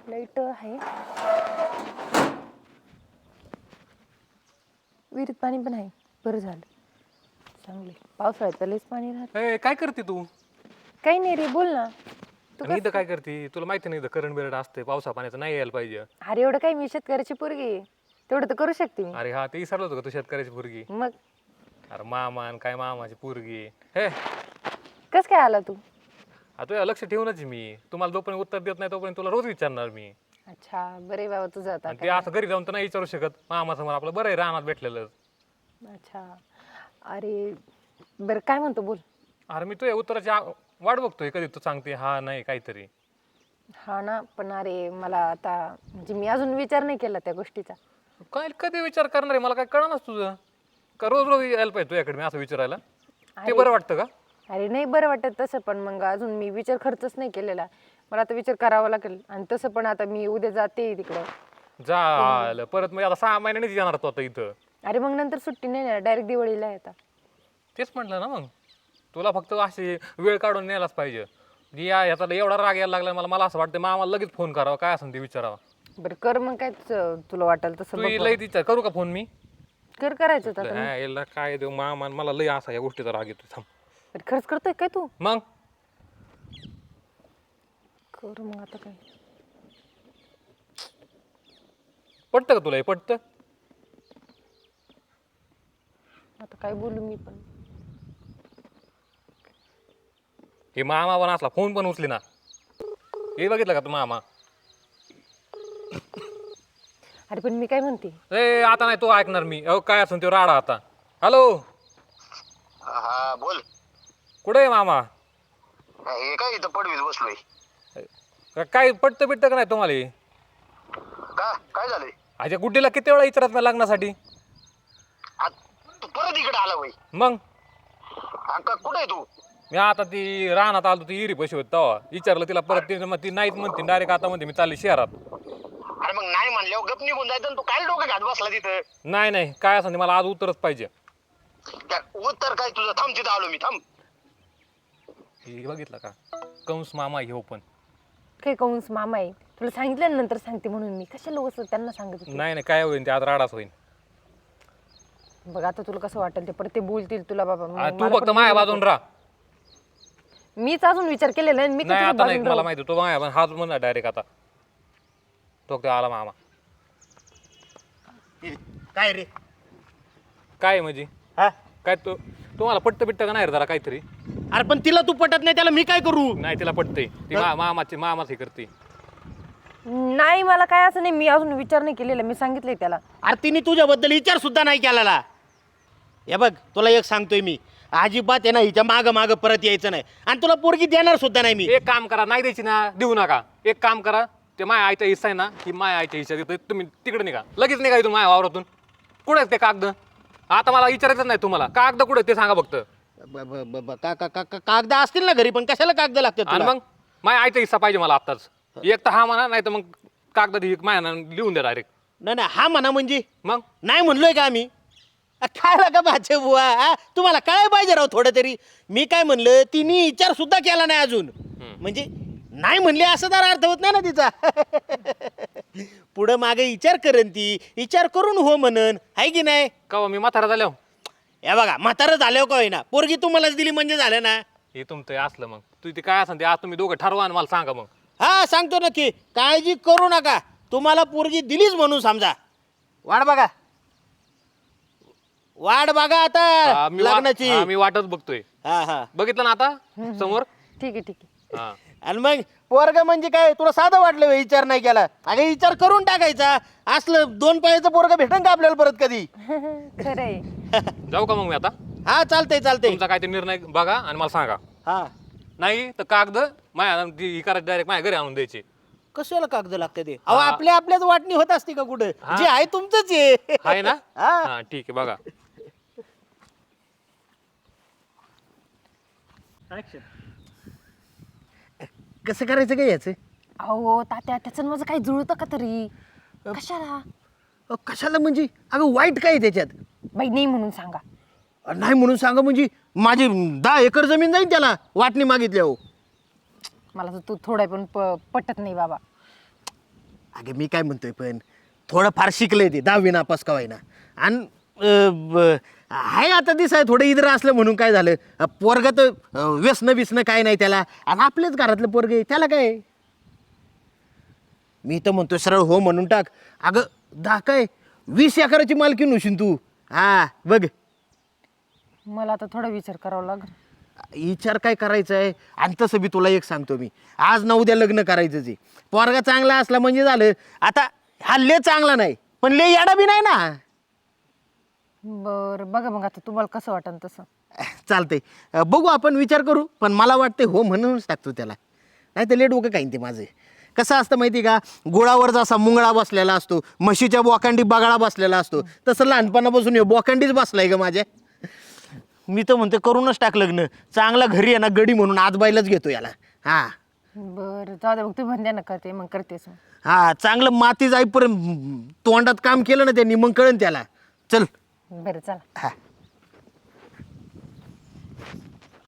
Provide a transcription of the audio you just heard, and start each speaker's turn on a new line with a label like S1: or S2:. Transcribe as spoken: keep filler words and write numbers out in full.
S1: Light आहे. विहिरीत पाणी पण आहे. बरं झालं, चांगले. पावसाळ्यात तर लयच पाणी राहत.
S2: ए, काय करते तू?
S1: काही नाही रे, बोल ना. तू
S2: आणि इथं काय करते? तुला माहिती नाही, इथं करंट बिरट असते, पावसा पाण्याचं नाही यायला पाहिजे.
S1: अरे एवढं काही, मी शेतकऱ्याची पोरगी आहे. तेवढं तर करू शकते मी.
S2: अरे हा, ते विसरलं होतं का तू शेतकऱ्याची पोरगी?
S1: मग
S2: अरे मामान काय मामाची पोरगी हे.
S1: कस काय आला तू?
S2: आता लक्ष ठेवूनच आहे मी. तुम्हाला जोपर्यंत उत्तर देत नाही तोपर्यंत तुला रोज विचारणार मी.
S1: अच्छा, बरे बाबा तुझं आता
S2: आणि ते असं घरी जाऊन तर नाही विचारू शकत. मामा समोर आपलं बरं आहे, रानात भेटलेलं.
S1: अच्छा, अरे बरं काय म्हणतो, बोल.
S2: अरे मी तुझ्या उत्तराची आ- वाट बघतोय, कधी तू सांगते हा नाही काहीतरी.
S1: हा ना, पण अरे मला आता म्हणजे मी अजून विचार नाही केला त्या गोष्टीचा.
S2: काय कधी विचार करणार आहे? मला काय कळणारच तुझं. का रोज रोज यायला पाहिजे तुझ्याकडे मी असं विचारायला? ते बरं वाटतं का?
S1: अरे नाही बरं वाटत तसं, पण मग अजून मी विचार खर्चच नाही केलेला. मला आता विचार करावा लागेल. आणि तसं पण आता मी उद्या जाते तिकडं.
S2: झालं परत मग आता सहा महिन्यानेच येणार तो आता इथं.
S1: अरे मग नंतर सुट्टी नाही ना, डायरेक्ट दिवाळीला आहे आता.
S2: तेच म्हटलं ना, मग तुला फक्त अशी वेळ काढून न्यायलाच पाहिजे. या ह्याचा एवढा राग यायला लागला मला. मला असं वाटतं मग आम्हाला लगेच फोन करावा, काय असेल ते विचारावा.
S1: बरं कर मग, काय तुझं- तुला वाटेल तसं
S2: तू
S1: बघ
S2: लई विचार करू का फोन मी?
S1: कर, करायचं होतं आता.
S2: हा, याला काय देऊ मामा, मला लई असा या गोष्टीचा राग येतो. थांब
S1: बरं, खर्च करतोय काय तू?
S2: मग
S1: कर मग आता काय.
S2: पटतं का तुला हे? पटतं?
S1: आता काय बोलू मी पण.
S2: हे मामा पण असला, फोन पण उचली ना. हे बघितलं का तू मामा?
S1: अरे पण मी काय म्हणते,
S2: ए आता नाही तो ऐकणार मी. अहो काय असेल तो राडा आता. हॅलो,
S3: हा बोल.
S2: कुठे आहे मामा?
S3: हे काय इथं पडवीत बसलोय.
S2: का- काय पटतं बिटतं का नाही तुम्हाला हे?
S3: का काय झालंय?
S2: अच्छा, गुड्डीला किती वेळा विचारत नाही लग्नासाठी?
S3: आ, तू परत इकडे आला वय?
S2: मग
S3: का कुठे आहे तू?
S2: मी आता ती रानात आलो, ती इरी पैसे होत तेव्हा विचारलं तिला. परत ती मग ती नाहीच म्हणते डायरेक्ट. आता म्हणते मी चालली शहरात.
S3: अरे मग नाही म्हणल्यावर गप निघून जायचं ना. तू काय डोकं घात बसला तिथं?
S2: नाही नाही, काय असं मला आज उत्तरच पाहिजे.
S3: त्या उत्तर काय तुझं? थांब, तिथं आलो मी. थांब.
S2: हे बघितलं का, कंस मामा हे पण.
S1: काय कंस मामा आहे? तुला सांगितलं नंतर सांगते म्हणून. मी कशाला उगाच त्यांना सांगत होते.
S2: नाही नाही, काय होईल ते आज राडाच होईल.
S1: बघ आता तुला कसं वाटेल ते, परत ते बोलतील तुला बाबा. मग
S2: आ, तू
S1: मला
S2: फक्त
S1: पण
S2: माया
S1: बोलू
S2: बाजून
S1: नको.
S2: राहा.
S1: मीच अजून विचार केलेला आहे. मी
S2: नाही
S1: कधी
S2: आता नाही,
S1: बाजून
S2: मला
S1: राहू?
S2: माहिती तो माया पण हाच म्हणा डायरेक्ट. आता तो तो आला मामा.
S3: काय रे?
S2: काय म्हणजे
S3: हा?
S2: काय तू तुम्हाला पट्ट बिट्ट का नाही रे जरा काहीतरी?
S3: अरे पण तिला तू पटत नाही, त्याला मी काय करू?
S2: नाही तिला पटतंय. ती मा- मामाची मामाच हे करते.
S1: नाही मला काय असं नाही, मी अजून विचार नाही केलेला. मी सांगितलंय त्याला.
S3: अरे तिने तुझ्याबद्दल विचार सुद्धा नाही केलेला. हे बघ, तुला एक सांगतोय मी, अजिबात आहे ना हिच्या माग माग परत यायचं नाही. आणि तुला पोरगी देणार सुद्धा नाही मी.
S2: एक काम करा, नाही द्यायची ना देऊ नका. एक काम करा, ते माया आईचा हिस्सा आहे ना, की माया आईच्या हिस्सा देतोय. तुम्ही तिकडे निघा, लगेच निघा इथून माया वावरातून. कुठे आहेत ते कागद? आता मला विचारायचं नाही तुम्हाला, कागद कुठे आहेत ते सांगा फक्त.
S3: ब- ब- ब- ब- का- का- का- कागद असतील ना घरी, पण कशाला कागद लागतात
S2: आणि
S3: तुला?
S2: मग माया आईचा हिस्सा पाहिजे मला आत्ताच. एक तर हा म्हणा, नाही तर मग कागद ही माया लिहून द्या डायरेक्ट.
S3: नाही नाही, हा म्हणा म्हणजे
S2: मग
S3: नाही म्हणलोय का आम्ही? अ, काय लागा माझे बुवा, हा? तुम्हाला काय पाहिजे राव थोडं तरी? मी काय म्हणलं, तिने विचार सुद्धा केला नाही अजून. म्हणजे नाही म्हणले असं तर अर्थ होत नाही ना तिचा. पुढं मागे विचार करेन ती, विचार करून हो म्हणन, आहे की नाही?
S2: कवा मी म्हातारा झालो
S3: हे बघा, म्हातारं झाल्यावर का होईना, पोरगी तुम्हालाच दिली म्हणजे झालं ना.
S2: हे तुमचं हे असलं. मग तू ते काय असेल ते आज तुम्ही दोघं ठरवा आणि मला सांगा. मग
S3: हा सांगतो नक्की, काळजी करू नका. तुम्हाला पोरगी दिलीच म्हणून समजा. वाट बघा, वाट बघा
S2: हा,
S3: आता
S2: मी वा-
S3: लग्नाची.
S2: हा, मी वाटच बघतोय.
S3: हा हा.
S2: बघितलं ना आता समोर.
S1: ठीक आहे ठीक आहे.
S2: हा
S3: आणि मग पोरग म्हणजे काय, तुला साधं वाटलं व्हय, विचार नाही केला? अगे विचार करून टाकायचा. असलं दोन पायाचं पोरग भेटन का आपल्याला परत कधी?
S1: खरंय.
S2: जाऊ का मग मी आता?
S3: हा चालतंय चालतंय.
S2: तुमचा काय ते निर्णय बघा आणि मला सांगा.
S3: हा,
S2: नाही तर कागद माया ती करायची डायरेक्ट माझ्या घरी आणून द्यायची.
S3: कशाला कागद लागते ते? अहो आपल्या आपल्याच वाटणी होत असते का कुठं? जे आहे तुमचंच आहे.
S2: आहे ना?
S3: हा.
S2: हा ठीक आहे बघा.
S3: कसं करायचं काय याचं?
S1: अहो तात्या, त्याचं माझं काही जुळतं का तरी? कशाला?
S3: अहो, कशाला म्हणजे? अगं वाईट काय आहे त्याच्यात?
S1: बाई नाही म्हणून सांगा.
S3: अ, नाही म्हणून सांगा म्हणजे माझी दहा एकर जमीन जाईल त्याला वाटणी मागितल्या. हो
S1: मला तर तू थोडा पण प- पटत नाही बाबा.
S3: अगं मी काय म्हणतोय पण थोडं फार शिकलंय ते दहावी नापास का होईना आणि अं, ब- आहे आता दिसाय थोडं इतर असलं म्हणून काय झालं अं, पोरगं तर अं, व्यसनं बिसनं काय नाही त्याला आणि आपल्याच घरातलं पोरग आहे त्याला काय मी तर म्हणतोय सरळ हो म्हणून टाक अगं दा काय वीस एकराची मालकी नशील तू हा बघ
S1: मला आता थोडा विचार करावा लागेल.
S3: विचार काय करायचा आहे आणि तसं बी तुला एक सांगतो मी आज ना उद्या लग्न करायचंच आहे पोरगा चांगला असला म्हणजे झालं आता हा लय चांगला नाही पण लय याडा बी नाही ना
S1: बरं बघा मग आता तुम्हाला कसं वाटेल तसं.
S3: चालतंय अं, बघू आपण विचार करू पण मला वाटतंय हो म्हणूनच टाकतो त्याला नाही तर लेट डोकं काही ते माझं कसं असतं माहिती का गुळावर जसा मुंगळा बसलेला असतो म्हशीच्या बोकांडी बगाळा बसलेला असतो तसं लहानपणापासून हे बोकांडीच बसलाय ग माझ्या मी तर म्हणते करूनच टाक लग्न चांगला घरी आहे ना गडी म्हणून आजबाईलाच घेतो याला हा
S1: बरं जाऊ दे मग तुम्ही म्हणल्या ना करते मग करतेस मग.
S3: हा चांगलं माती जाईपर्यंत तोंडात काम केलं ना त्यांनी मग कळन त्याला चल
S1: बरं चला.
S3: हा